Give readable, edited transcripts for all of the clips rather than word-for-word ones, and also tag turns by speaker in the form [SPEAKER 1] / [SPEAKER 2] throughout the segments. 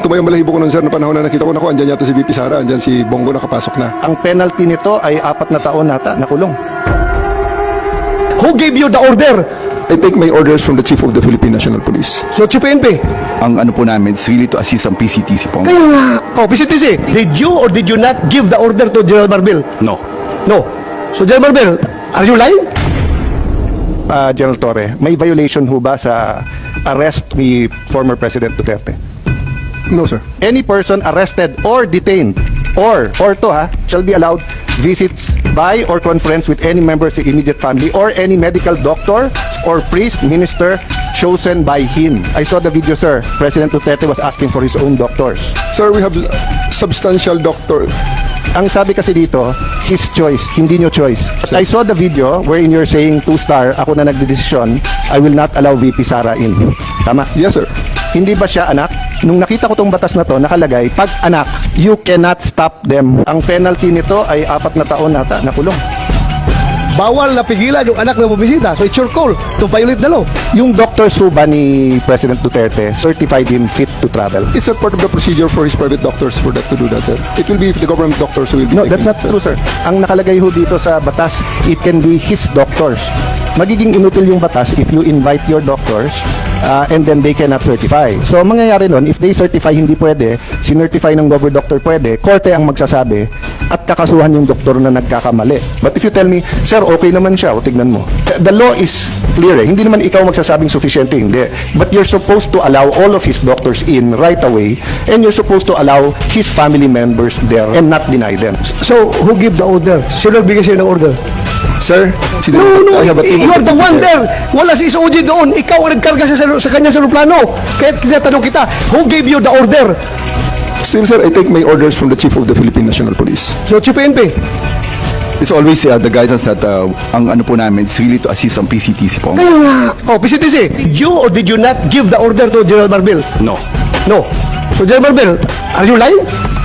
[SPEAKER 1] tumayong balahibo ko nun, sir, na panahon na nakita ko na andyan yata si VP Sara, andyan si Bongo nakapasok na.
[SPEAKER 2] Ang penalty nito ay 4 na taon nata na kulong.
[SPEAKER 3] Who gave you the order?
[SPEAKER 1] I take my orders from the Chief of the Philippine National Police.
[SPEAKER 3] So, Chief PNP.
[SPEAKER 4] Ang ano po namin is really to assist ang PCTC po.
[SPEAKER 3] Kaya nga. Oh, PCTC, did you or did you not give the order to General Marbil?
[SPEAKER 4] No.
[SPEAKER 3] No. So, General Marbil, are you lying?
[SPEAKER 2] General Torre, may violation ho ba sa arrest ni former President Duterte?
[SPEAKER 1] No, sir.
[SPEAKER 2] Any person arrested or detained or shall be allowed visits by or conference with any member of the immediate family or any medical doctor or priest, minister chosen by him. I saw the video, sir. President Duterte was asking for his own doctors.
[SPEAKER 1] Sir, we have substantial doctor.
[SPEAKER 2] Ang sabi kasi dito, his choice, hindi nyo choice. I saw the video wherein you're saying 2-star, ako na nagdedesisyon, I will not allow VP Sara in. Tama?
[SPEAKER 1] Yes, sir.
[SPEAKER 2] Hindi ba siya anak? Nung nakita ko tong batas na to, nakalagay, pag anak, you cannot stop them. Ang penalty nito ay 4 na taon nata na kulong.
[SPEAKER 3] Bawal na pigilan yung anak na bumisita. So, it's your call to violate the law.
[SPEAKER 2] Yung Dr. Suba ni President Duterte certified him fit to travel.
[SPEAKER 1] It's a part of the procedure for his private doctors for that to do that, sir. It will be the government doctors who will be
[SPEAKER 2] No,
[SPEAKER 1] taking
[SPEAKER 2] that's not
[SPEAKER 1] it, sir.
[SPEAKER 2] true, sir. Ang nakalagay ho dito sa batas, it can be his doctors. Magiging inutil yung batas if you invite your doctors and then they cannot certify. So, ang mangyayari nun, if they certify hindi pwede, sinertify ng gover doctor pwede, korte ang magsasabi at kakasuhan yung doktor na nagkakamali. But if you tell me, sir, okay naman siya, o tignan mo. The law is clear eh. Hindi naman ikaw magsasabing sufficiente, hindi. But you're supposed to allow all of his doctors in right away and you're supposed to allow his family members there and not deny them.
[SPEAKER 3] So, who give the order? Sino nagbigay sa'yo ng order?
[SPEAKER 1] Sir,
[SPEAKER 3] No,
[SPEAKER 1] I have a team
[SPEAKER 3] you
[SPEAKER 1] of
[SPEAKER 3] are the one
[SPEAKER 1] people
[SPEAKER 3] there. Wala si SOG doon. Ikaw ang nagkarga sa kanya sa aeroplano. Kaya tinatanong kita, who gave you the order?
[SPEAKER 1] Still, sir, I take my orders from the Chief of the Philippine National Police.
[SPEAKER 3] So, Chief PNP.
[SPEAKER 4] It's always the guidance that ang ano po namin is really to assist ang PCTC po.
[SPEAKER 3] Kaya nga. Oh, PCTC, did you or did you not give the order to General Marbil?
[SPEAKER 4] No.
[SPEAKER 3] No. So, General Marbil, are you lying?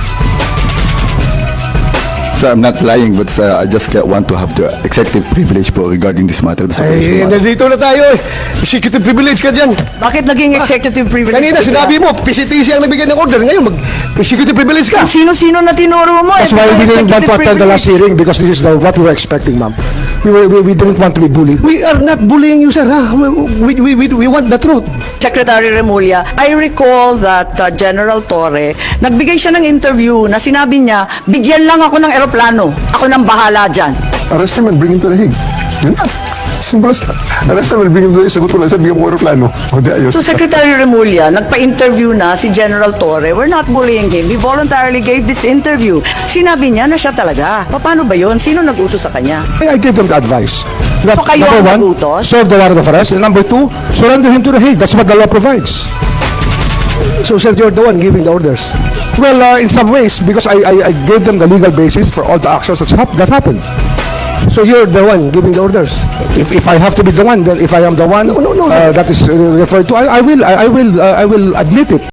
[SPEAKER 4] So I'm not lying, but I just want to have the executive privilege po regarding this matter.
[SPEAKER 3] Ay, nandito na tayo eh. Executive privilege ka dyan.
[SPEAKER 5] Bakit naging executive privilege?
[SPEAKER 3] Kanina sinabi mo, PCTC ang nagbigay ng order. Ngayon, mag-executive privilege ka.
[SPEAKER 5] Sino-sino na tinuro mo?
[SPEAKER 6] That's why we didn't want to attend the last hearing because this is what we were expecting, ma'am. We didn't want to be bullied.
[SPEAKER 3] We are not bullying you, sir. Ha? We want the truth.
[SPEAKER 5] Secretary Remulla, I recall that General Torre, nagbigay siya ng interview na sinabi niya, bigyan lang ako ng eroplano. Ako nang bahala dyan.
[SPEAKER 1] Arrest him and bring him to the Hague. Yun na. Simple as that. Arrest him and bring him to the Hague. Sagot ko lang, sir, bigyan mo ko aeroplano. O, di ayos.
[SPEAKER 5] So Secretary Remulla, nagpa-interview na si General Torre. We're not bullying him. He voluntarily gave this interview. Sinabi niya na siya talaga. Paano ba yun? Sino nag-utos sa kanya?
[SPEAKER 6] I gave them the advice. That,
[SPEAKER 5] So kayo
[SPEAKER 6] number
[SPEAKER 5] ang
[SPEAKER 6] one,
[SPEAKER 5] nagutos?
[SPEAKER 6] serve the warrant of arrest. And number two, surrender him to the Hague. That's what the law provides.
[SPEAKER 3] So, sir, you're the one giving the orders.
[SPEAKER 6] Well, in some ways, because I gave them the legal basis for all the actions that happened.
[SPEAKER 3] So, you're the one giving the orders.
[SPEAKER 6] If I have to be the one, then if I am the one
[SPEAKER 3] No.
[SPEAKER 6] that is referred to, I will admit it.